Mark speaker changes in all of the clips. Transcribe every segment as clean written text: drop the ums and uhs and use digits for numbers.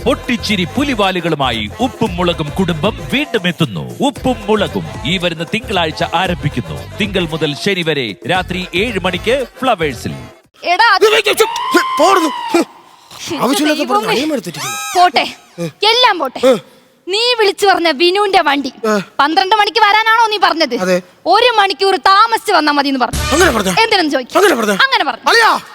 Speaker 1: പൊട്ടിച്ചിരി പുലിവാലുകളുമായി ഉപ്പും മുളകും കുടുംബം വീണ്ടും എത്തുന്നു. ഉപ്പും മുളകും ഈ വരുന്ന തിങ്കളാഴ്ച ആരംഭിക്കുന്നു. തിങ്കൾ മുതൽ ശനി വരെ രാത്രി 7 മണിക്ക് ഫ്ലവേഴ്സിൽ.
Speaker 2: പോട്ടെ, എല്ലാം പോട്ടെ. നീ വിളിച്ചു പറഞ്ഞ വിനുവിന്റെ വണ്ടി 12 മണിക്ക് വരാനാണോ നീ പറഞ്ഞത്? 1 മണിക്കൂർ താമസിച്ച് വന്നാ മതി എന്ന് പറഞ്ഞു. എന്തിനെന്ന് ചോദിക്കും. അങ്ങനെ പറഞ്ഞു.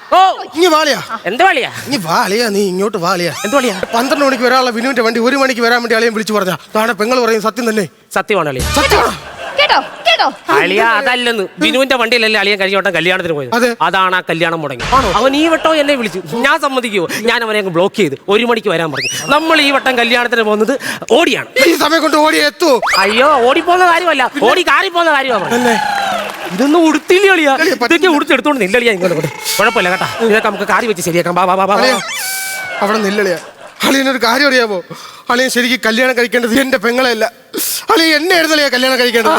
Speaker 3: നീ ഇങ്ങോട്ട് വാളിയാ. 12 മണിക്ക് വരാനുള്ള വിനുവിന്റെ വണ്ടി 1 മണിക്ക് വരാൻ വേണ്ടി അളിയൻ വിളിച്ചു പറഞ്ഞ താഴെ പെങ്ങൾ പറയും സത്യം തന്നെ.
Speaker 4: സത്യമാണ്
Speaker 2: കേട്ടോ കേട്ടോ.
Speaker 4: അളിയ അതല്ലെന്ന്, വിനുവിന്റെ വണ്ടിയിലല്ലേ അളിയൻ കഴിഞ്ഞ വട്ടം കല്യാണത്തിന് പോയത്. അതാണ് ആ കല്യാണം മുടങ്ങി. അവൻ ഈ വട്ടം എന്നെ വിളിച്ചു, ഞാൻ സമ്മതിക്കുവോ? ഞാൻ അവനെ അങ്ങ് ബ്ലോക്ക് ചെയ്ത് 1 മണിക്ക് വരാൻ പറഞ്ഞു. നമ്മൾ ഈ വട്ടം കല്യാണത്തിന് പോകുന്നത് ഓടിയാണ്.
Speaker 3: ഈ സമയം കൊണ്ട് ഓടി എത്തൂ?
Speaker 4: അയ്യോ, ഓടിപ്പോന്ന കാര്യമല്ല, ഓടി കാറി പോകുന്ന കാര്യമാണ്. ഇതൊന്നും ഉടുത്തില്ല അളിയാ, ഇതൊക്കെ ഉടുത്തെടുത്തോണ്ട് നില്ലളിയാ. ഇങ്ങോട്ട് കുഴപ്പമില്ല കേട്ടാ, ഇതൊക്കെ നമുക്ക് കാറി വെച്ച് ശരിയാക്കാം.
Speaker 3: അവിടെ നില്ലളിയാ. അളിയനൊരു കാര്യം അറിയാമോ? അളിയൻ ശരിക്കും കല്യാണം കഴിക്കേണ്ടത് എന്റെ പെങ്ങളെയല്ല, അളിയൻ എന്നെ ആയിരുന്നല്ലേ കല്യാണം കഴിക്കേണ്ടത്.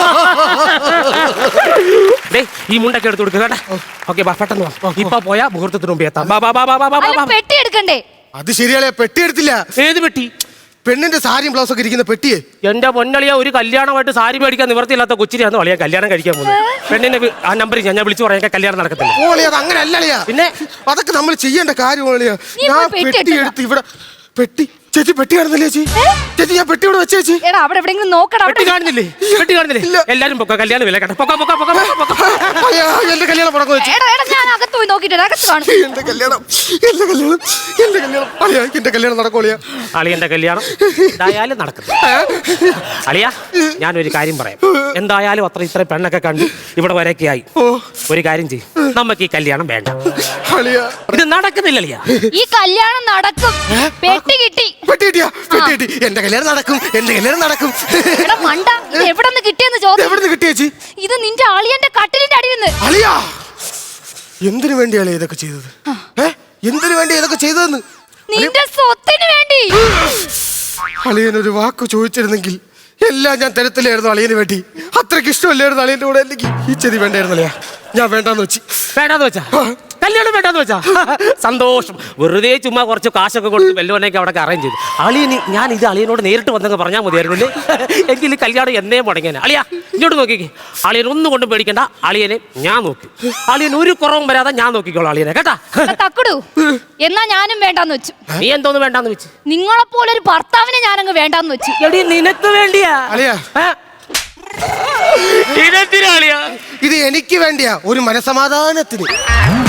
Speaker 4: ഈ മുണ്ടൊക്കെ എടുത്ത് കൊടുക്കുക കേട്ടാ. ഓക്കെ, പെട്ടെന്ന് ഇപ്പൊ പോയാ മുഹൂർത്തത്തിന് മുമ്പ് എത്താം.
Speaker 2: പെട്ടി എടുക്കണ്ടേ?
Speaker 3: അത് ശരിയാളെ, പെട്ടി എടുത്തില്ല.
Speaker 4: ഏത് പെട്ടി?
Speaker 3: പെണ്ണിന്റെ സാരിയും ബ്ലൗസ് ഒക്കെ ഇരിക്കുന്ന പെട്ടിയെ.
Speaker 4: എന്റെ പൊന്നളിയ, ഒരു കല്യാണമായിട്ട് സാരി മേടിക്കാൻ നിവർത്തിയില്ലാത്ത കൊച്ചിരിയാന്ന് വളിയാ കല്യാണം കഴിക്കാൻ പോകുന്നത്. പെണ്ണിന്റെ ആ നമ്പർ ഞാൻ വിളിച്ചു പറയാൻ കല്യാണം നടക്കത്തില്ല.
Speaker 3: ഓളിയാ, അത് അങ്ങനെ അല്ലളിയാ.
Speaker 4: പിന്നെ
Speaker 3: അതൊക്കെ നമ്മൾ ചെയ്യേണ്ട കാര്യമാളിയാ. ഞാൻ പെട്ടി എടുത്ത് ഇവിടെ പെട്ടി. ചേച്ചി പെട്ടി കാണുന്നില്ലേ ചേച്ചി? ചേച്ചി ഞാൻ പെട്ടി ഇവിടെ വെച്ചേച്ചി.
Speaker 2: അവിടെ എവിടെയെങ്കിലും നോക്കണം.
Speaker 4: പെട്ടി കാണുന്നില്ലേ? പെട്ടി കാണുന്നില്ലേ? എല്ലാരും പൊക്ക, കല്യാണം വില കേട്ടോ.
Speaker 3: എന്റെ കല്യാണം മുടങ്ങും.
Speaker 2: ഞാൻ അകത്ത് പോയി നോക്കിട്ട്
Speaker 3: എന്റെ കല്യാണം അളിയാ, എന്റെ കല്യാണം നടക്കോളിയാ.
Speaker 4: അളിയന്റെ കല്യാണം എന്തായാലും നടക്കും. അളിയാ, ഞാനൊരു കാര്യം പറയാം. എന്തായാലും ഇത്ര പെണ്ണൊക്കെ കണ്ട് ഇവിടെ വരെയൊക്കെ ആയി. ഒരു കാര്യം ചെയ്യും, നമുക്ക് ഈ കല്യാണം വേണ്ട. ഇത് നടക്കുന്നില്ല അളിയാ.
Speaker 2: ഈ കല്യാണം നടക്കും. പെട്ടി കിട്ടി.
Speaker 3: എന്റെ കല്യാണം നടക്കും, എന്റെ കല്യാണം നടക്കും.
Speaker 2: മണ്ട, ഇത് എവിടെ നിന്ന് കിട്ടിയെന്ന് ചോദിച്ചു.
Speaker 3: എവിടെ നിന്ന് കിട്ടിയേച്ചി?
Speaker 2: ഇത് നിന്റെ അളിയന്റെ കട്ടിലിന്റെ അടിയിൽ നിന്ന്.
Speaker 3: അളിയാ, എന്തിനു വേണ്ടിയാണ് ഇതൊക്കെ ചെയ്തത്? എന്തിനു വേണ്ടി ഇതൊക്കെ ചെയ്തതെന്ന്?
Speaker 2: നിന്റെ സ്വത്തിന് വേണ്ടി.
Speaker 3: അളിയനൊരു വാക്ക് ചോദിച്ചിരുന്നെങ്കിൽ എല്ലാം ഞാൻ തരത്തിലായിരുന്നു അളിയന് വേണ്ടി. അത്രയ്ക്ക് ഇഷ്ടമല്ലായിരുന്നു അളിയന്റെ കൂടെ. എനിക്ക് ഈ ചെതി വേണ്ടായിരുന്നല്ലേ, ഞാൻ വേണ്ടാന്ന് വെച്ചാ
Speaker 4: കല്യാണം വേണ്ടാന്ന് വെച്ചാ സന്തോഷം. വെറുതെ ചുമ്മാ കുറച്ച് കാശൊക്കെ കൊടുത്ത് വെല്ലുവനൊക്കെ അവിടെ അറേഞ്ച് ചെയ്തു. ഞാൻ ഇത് അളിയനോട് നേരിട്ട് വന്നങ്ങ് പറഞ്ഞാൽ മതിയായിരുന്നല്ലേ. എങ്കിൽ കല്യാണം എന്നേ മുടങ്ങിയാണ്. അളിയാ, ഇങ്ങോട്ട് നോക്കിക്കേ. അളിയൻ ഒന്നും കൊണ്ടും പേടിക്കണ്ട, അളിയനെ ഞാൻ നോക്കി. അളിയൻ ഒരു കുറവും വരാതെ ഞാൻ നോക്കിക്കോളാം അളിയനെ, കേട്ടാ.
Speaker 2: തക്കുടു, എന്നാ ഞാനും വേണ്ടാന്ന് വെച്ചു.
Speaker 4: നീ എന്തോന്ന് വേണ്ടാന്ന് വെച്ച്?
Speaker 2: നിങ്ങളെപ്പോലെ ഒരു ഭർത്താവിനെ ഞാനങ്ങ് വേണ്ടാന്ന് വെച്ചു.
Speaker 4: എടി, നിനക്ക് വേണ്ടിയാ
Speaker 3: അളിയാ?
Speaker 4: ഇതെന്തിനാ അളിയാ?
Speaker 3: ഇത് എനിക്ക് വേണ്ടിയാ, ഒരു മനസമാധാനത്തിന്.